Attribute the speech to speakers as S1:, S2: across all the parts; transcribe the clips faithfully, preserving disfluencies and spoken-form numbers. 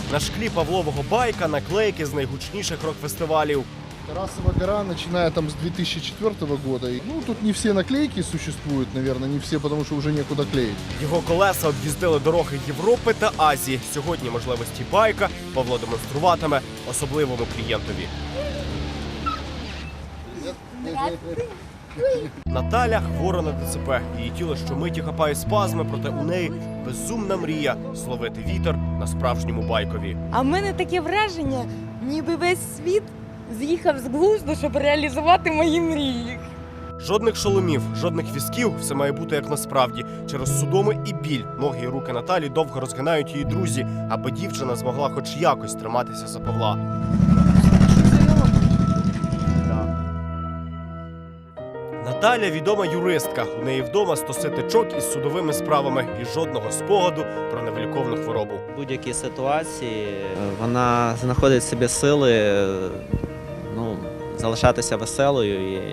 S1: На шклі Павлового байка наклейки з найгучніших рок-фестивалів.
S2: Тарасова гора, начиная там с две тысячи четвёртого года. Ну, тут не все наклейки существуют, наверное, не все, потому что уже некуда клеить.
S1: Його колеса об'їздили дороги Європи та Азії. Сьогодні можливості байка Павло демонструватиме особливому клієнтові. Наталя хвора на ДЦП. Її тіло щомиті хапає спазми, проте у неї безумна мрія зловити вітер на справжньому байкові.
S3: А в мене таке враження, ніби весь світ з'їхав з глузду, щоб реалізувати мої мрії.
S1: Жодних шоломів, жодних візків, все має бути як насправді. Через судоми і біль ноги і руки Наталі довго розгинають її друзі, аби дівчина змогла хоч якось триматися за Павла. Наталя – відома юристка. У неї вдома стоси тичок із судовими справами і жодного спогаду про невиліковну хворобу.
S4: В будь-якій ситуації вона знаходить в собі сили, ну, залишатися веселою і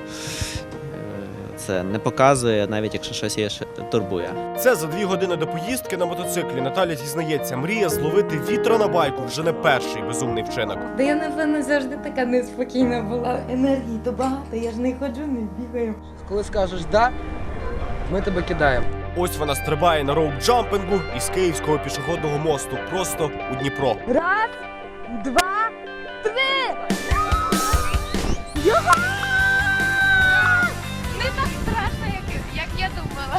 S4: це не показує, навіть якщо щось її турбує.
S1: Це за дві години до поїздки на мотоциклі Наталя зізнається, мріє зловити вітра на байку вже не перший безумний вчинок.
S3: Та я, напевно, завжди така неспокійна була. Енергії то багато, я ж не ходжу, не бігаю.
S5: Коли скажеш «да», ми тебе кидаємо.
S1: Ось вона стрибає на роуп-джампингу із Київського пішохідного мосту просто у Дніпро.
S3: Раз, два, три! Його!
S6: Не так страшно, як, як я думала.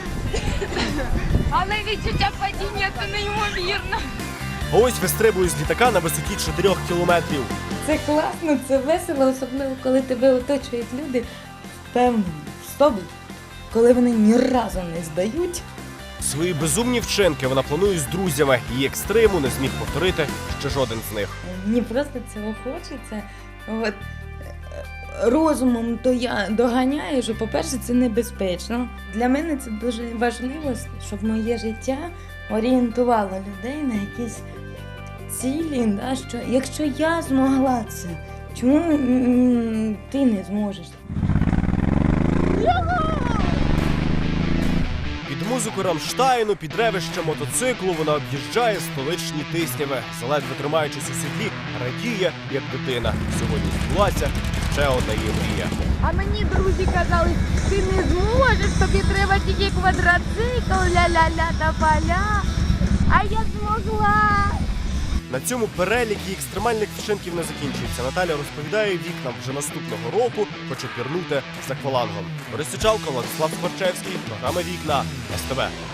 S6: Але відчуття падіння – це неймовірно.
S1: А ось вистрибує з літака на висоті чотирьох кілометрів.
S3: Це класно, це весело, особливо, коли тебе оточують люди впевнені в собі, коли вони ні разу не здають.
S1: Свої безумні вчинки вона планує з друзями. Її екстриму не зміг повторити ще жоден з них.
S3: Мені просто цього хочеться. От, розумом то я доганяю, що, по-перше, це небезпечно. Для мене це дуже важливо, щоб моє життя орієнтувало людей на якісь цілі. Да, що, якщо я змогла це, чому м, ти не зможеш?
S1: Під музику Рамштайну, під ревище мотоциклу вона об'їжджає столичні Тисняви. Заледве тримаючись у седлі, радіє, як дитина. Сьогодні збулася ще одна її мрія.
S6: А мені друзі казали, ти не зможеш, тобі треба тільки квадроцикл, ля-ля-ля та поля. А я змогла.
S1: На цьому перелік її екстремальних вчинків не закінчується. Наталя розповідає, вікнам вже наступного року хоче пірнути з аквалангом. Борис Сичалко, Владислав Скворчевський, програма «Вікна», ес те ве.